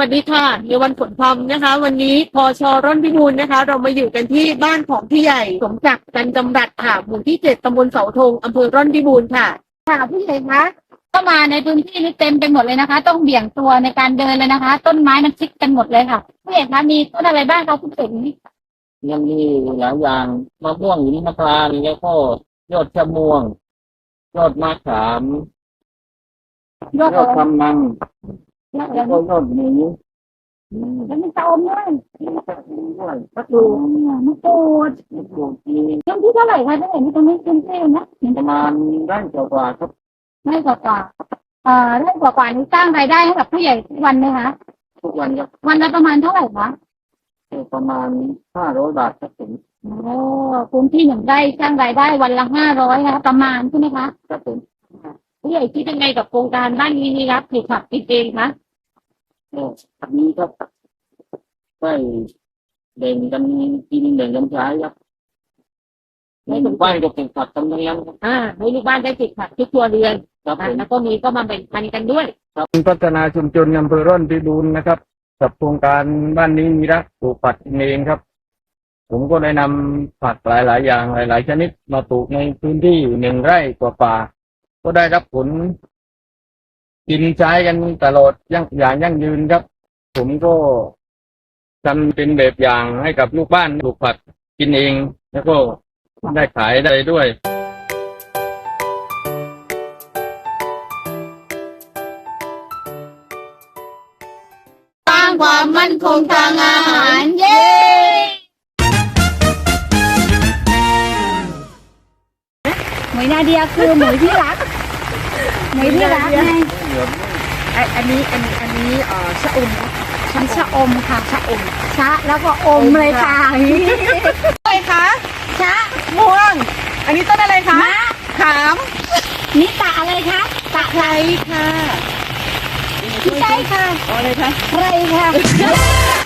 วัสดีค่ะในวันฝนพรำนะคะวันนี้พชร่อนพิบูลนะคะเรามาอยู่กันที่บ้านของพี่ใหญ่สมศักดิ์กันจำรัดค่ะหมู่ที่7ตำบลเสาธงอำเภอร่อนพิบูลค่ะค่ะพี่ใหญ่คะก็มาในพื้นที่นี้เต็มไปหมดเลยนะคะต้องเบี่ยงตัวในการเดินเลยนะคะต้นไม้มันชิดกันหมดเลยค่ะพี่ใหญ่คะมีต้นอะไรบ้างคะคุณเสกนี้ยังมีหลายอย่างมะม่วงหิมพานต์แล้วก็ยอดชะม่วงยอดมะขามยอดคำนังแล้วก็ยอดหมูแล้วมีตะอมด้วยมะกรูดมะกรูดมีต้นที่เท่าไหร่คะพี่ใหญ่นี่ตรงนี้เต็มที่นะประมาณได้กว่าครับได้กว่าได้กว่านี้สร้างรายได้ให้กับผู้ใหญ่ทุกวันไหมคะทุกวันครับวันละประมาณเท่าไหร่คะประมาณ500 บาทครับผมโอ้พื้นที่หนึ่งได้สร้างรายได้วันละ500นะคะประมาณใช่ไหมคะครับผมผู้ใหญ่คิดยังไงกับโครงการบ้านมินิรักปลูกผักกินเองคะอันนี้ครับได้แบ่งกันกินแบ่งกันใช้ครับในหมู่บ้านก็ปลูกผักกันทั้งนั้นให้ลูกบ้านได้ปลูกผักทุกครัวเรือนแล้วก็มีก็มาแบ่งปันกันด้วยครับพัฒนาชุมชนอำเภอร่อนพิบูลนะครับกับโครงการบ้านนี้มีรักปลูกผักเองครับผมก็ได้นำผักหลายๆอย่างหลายๆชนิดมาปลูกในพื้นที่1 ไร่กว่าก็ได้รับผลกินใช้กันตลอดอย่างยั่งยืนครับผมก็ทำเป็นแบบอย่างให้กับลูกบ้านปลูกผักกินเองแล้วก็ได้ขายได้ด้วยสร้างความมั่นคงทางอาหารเย้หมวยนาเดียคือหมวยที่รักหมวยที่รักไงอันนี้ชะอมชั้นชะอมค่ะชะอมชะแล้วก็อมเลยค่ะอะไรคะชะม่วงอันนี้ต้นอะไรคะมะขามนี่ตะอะไรคะตะไคร้ค่ะไม่ใช่ค่ะอะไรคะไคร้ค่ะ